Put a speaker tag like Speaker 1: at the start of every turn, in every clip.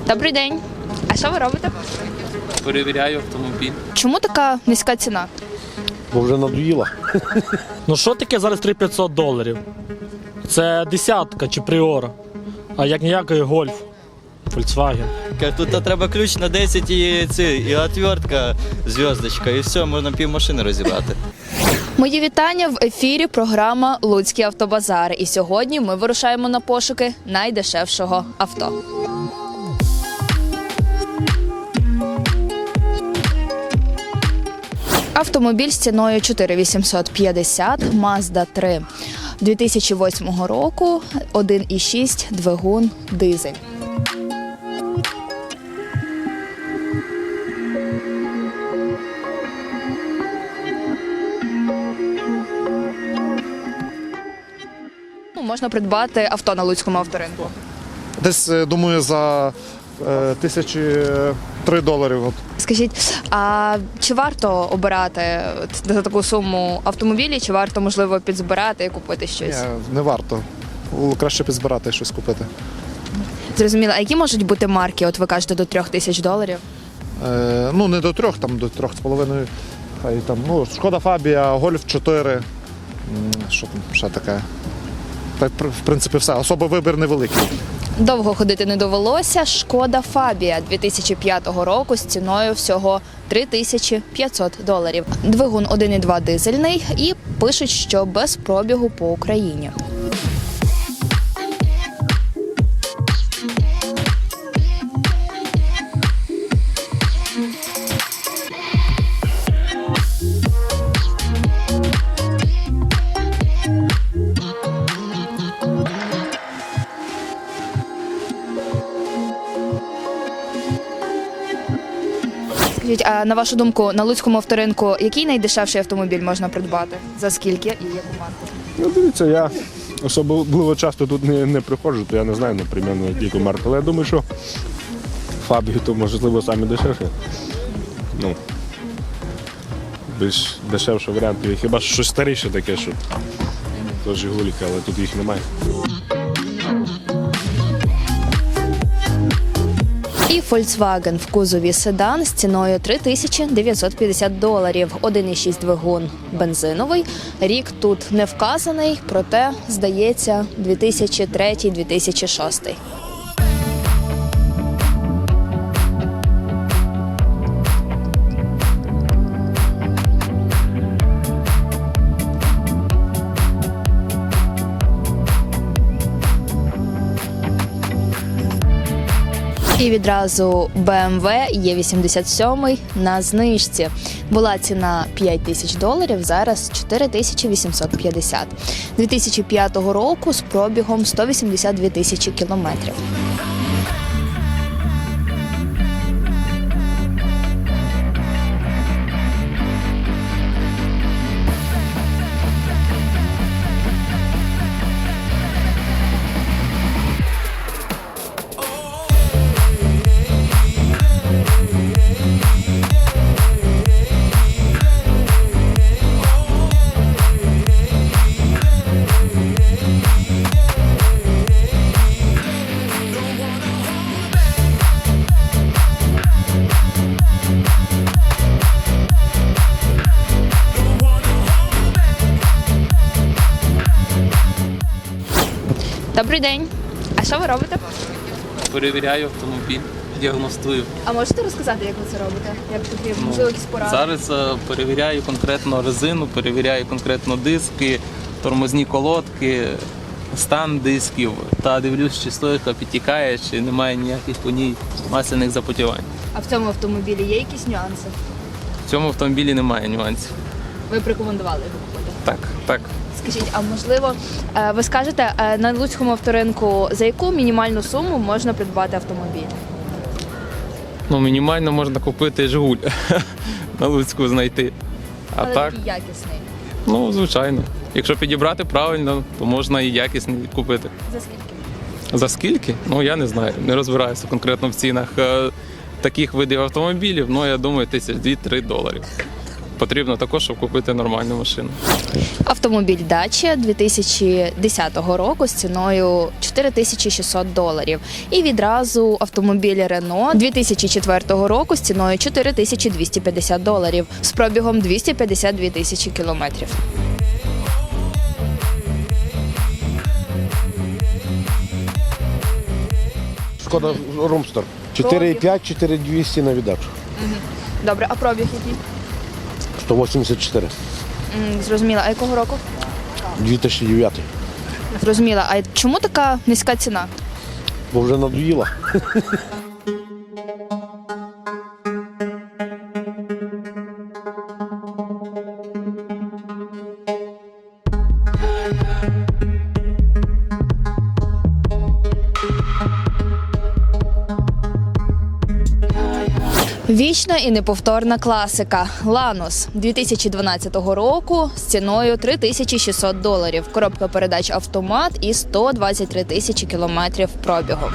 Speaker 1: Добрий день. А що ви робите?
Speaker 2: Перевіряю автомобіль.
Speaker 1: Чому така низька ціна?
Speaker 3: Бо вже надоїла.
Speaker 4: Ну що таке зараз $3500? Це десятка чи Priora, а як ніякий Golf, Volkswagen.
Speaker 5: Тут треба ключ на 10 і отвертка, зв'язочка, і все, можна півмашини розібрати.
Speaker 1: Мої вітання в ефірі програма «Луцький автобазар». І сьогодні ми вирушаємо на пошуки найдешевшого авто. Автомобіль з ціною 4850 Mazda 3 2008 року, 1,6 двигун дизель. Можна придбати авто на Луцькому авторинку.
Speaker 3: Десь, думаю, за $1003. От.
Speaker 1: Скажіть, а чи варто обирати за таку суму автомобілі, чи варто, можливо, підзбирати і купити щось?
Speaker 3: Ні, не варто. Краще підзбирати щось купити.
Speaker 1: Зрозуміло. А які можуть бути марки? От ви кажете, до $3000?
Speaker 3: Ну, не до 3, там до 3,5. Хай там, ну, Шкода Фабія, Гольф 4. Що там ще таке? Так, в принципі, все. Особо вибір невеликий.
Speaker 1: Довго ходити не довелося. Шкода Фабія 2005 року з ціною всього $3500. Двигун 1,2 дизельний і пишуть, що без пробігу по Україні. А на вашу думку, на Луцькому авторинку який найдешевший автомобіль можна придбати? За скільки і яку марку?
Speaker 6: Ну, дивіться, я особливо часто тут не приходжу, то я не знаю, наприклад, яку марку. Але я думаю, що Фабію то, можливо, самі дешевші. Ну, більш дешевший варіант. Хіба що щось старіше таке, що то Жигуліки, але тут їх немає.
Speaker 1: І Volkswagen в кузові седан з ціною $3950. 1,6 двигун бензиновий. Рік тут не вказаний, проте, здається, 2003-2006. І відразу BMW E87 на знижці. Була ціна $5000, зараз $4850. 2005 року з пробігом 182 тисячі кілометрів. Добрий день. А що ви робите?
Speaker 2: Перевіряю автомобіль, діагностую.
Speaker 1: А можете розказати, як ви це робите? Як потрібно? Можливо, якісь поради?
Speaker 2: Зараз перевіряю конкретно резину, перевіряю конкретно диски, тормозні колодки, стан дисків та дивлюсь, чи слойка підтікає, чи немає ніяких по ній масляних запотівань.
Speaker 1: А в цьому автомобілі є якісь нюанси?
Speaker 2: В цьому автомобілі немає нюансів.
Speaker 1: Ви б рекомендували його купити?
Speaker 2: Так.
Speaker 1: Скажіть, а можливо, ви скажете, на Луцькому авторинку за яку мінімальну суму можна придбати автомобіль?
Speaker 2: Ну, мінімально можна купити Жигуль на Луцьку знайти. А
Speaker 1: Але
Speaker 2: так,
Speaker 1: такий якісний.
Speaker 2: ну, звичайно. Якщо підібрати правильно, то можна і якісний купити.
Speaker 1: За скільки?
Speaker 2: За скільки? Ну, я не знаю, не розбираюся конкретно в цінах таких видів автомобілів, ну, я думаю, $2-3.
Speaker 7: потрібно також, щоб купити нормальну машину.
Speaker 1: Автомобіль Dacia 2010 року з ціною $4600. І відразу автомобіль Renault 2004 року з ціною $4250 з пробігом 252 тисячі кілометрів.
Speaker 8: Шкода Румстер. 4,5, 4200 на віддачу.
Speaker 1: Добре, а пробіг який?
Speaker 8: 184.
Speaker 1: Зрозуміла. А якого року?
Speaker 8: 2009.
Speaker 1: Зрозуміла. А чому така низька ціна?
Speaker 8: Бо вже надоїла.
Speaker 1: Вічна і неповторна класика Lanos 2012 року з ціною $3600. Коробка передач автомат і 123 тисячі кілометрів пробігу.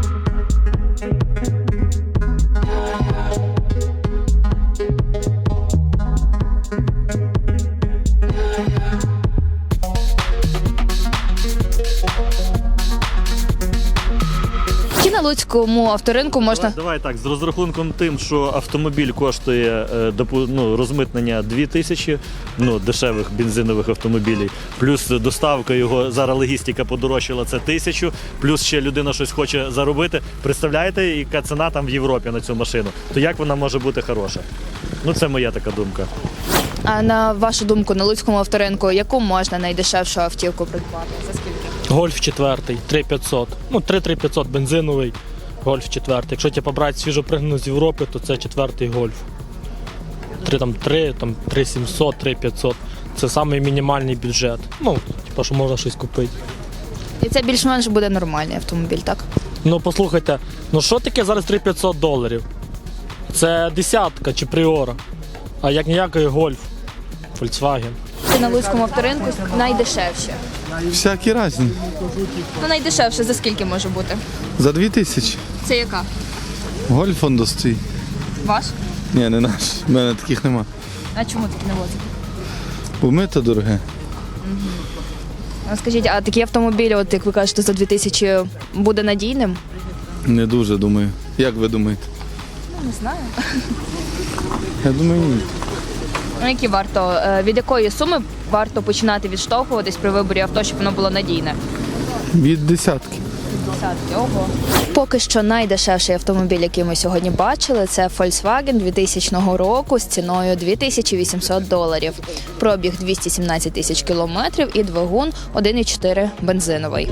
Speaker 1: На Луцькому авторинку можна
Speaker 9: Давай так, з розрахунком тим, що автомобіль коштує розмитнення 2000, дешевих бензинових автомобілів, плюс доставка його, зараз логістика подорожчала, це 1000, плюс ще людина щось хоче заробити. Представляєте, яка ціна там в Європі на цю машину? То як вона може бути хороша? Це моя така думка.
Speaker 1: А на вашу думку, на Луцькому авторинку, яку можна найдешевшу автівку придбати? За скільки?
Speaker 4: Гольф 4, 3500. 3-3500 бензиновий, Гольф 4. Якщо побрати свіжопригнану з Європи, то це 4-й Гольф. 3700, 3500. Це самий мінімальний бюджет. Що можна щось купити.
Speaker 1: І це більш-менш буде нормальний автомобіль, так?
Speaker 4: Послухайте, що таке зараз $3500? Це десятка чи Priora. А як ніякий Гольф, Volkswagen.
Speaker 1: На Луцькому авторинку найдешевше.
Speaker 10: Всякі різні.
Speaker 1: Найдешевше за скільки може бути?
Speaker 10: За 2000.
Speaker 1: Це яка?
Speaker 10: Гольф он стоїть.
Speaker 1: Ваш?
Speaker 10: Ні, не наш. У мене таких нема.
Speaker 1: А чому такі не возите?
Speaker 10: Бо ми то дороге.
Speaker 1: Скажіть, а такі автомобілі, як ви кажете, за 2000 буде надійним?
Speaker 10: Не дуже, думаю. Як ви думаєте?
Speaker 1: Не знаю.
Speaker 10: Я думаю, ні.
Speaker 1: Які від якої суми варто починати відштовхуватись при виборі авто, щоб воно було надійне?
Speaker 10: Від десятки.
Speaker 1: Ого. Поки що найдешевший автомобіль, який ми сьогодні бачили, це Volkswagen 2000 року з ціною $2800. Пробіг 217 тисяч кілометрів і двигун 1,4 бензиновий.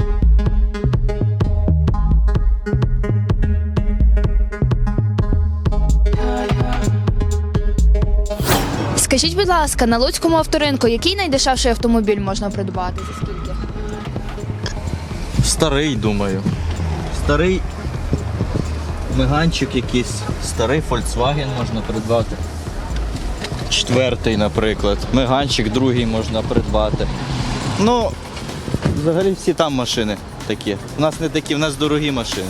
Speaker 1: Скажіть, будь ласка, на Луцькому авторинку який найдешевший автомобіль можна придбати? За скільки?
Speaker 5: Старий, думаю. Старий меганчик якийсь, старий Volkswagen можна придбати. 4-й, наприклад. Меганчик, другий можна придбати. Взагалі всі там машини такі. У нас не такі, у нас дорогі машини.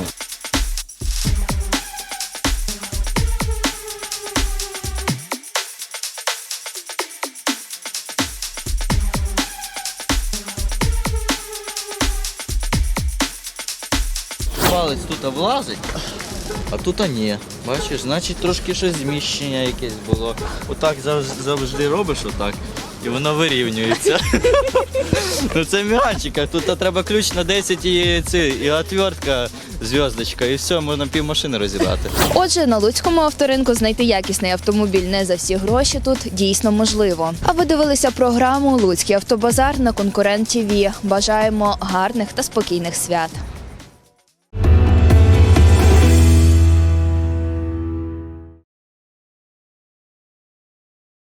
Speaker 5: Палець тут влазить, а тут ні. Бачиш, значить трошки щось зміщення якесь було. Отак завжди робиш отак, і воно вирівнюється. Це м'ячик, а тут треба ключ на 10 і отвертка, зв'язочка, і все, можна півмашини розібрати.
Speaker 1: Отже, на Луцькому авторинку знайти якісний автомобіль не за всі гроші тут дійсно можливо. А ви дивилися програму «Луцький автобазар» на Конкурент ТВ. Бажаємо гарних та спокійних свят.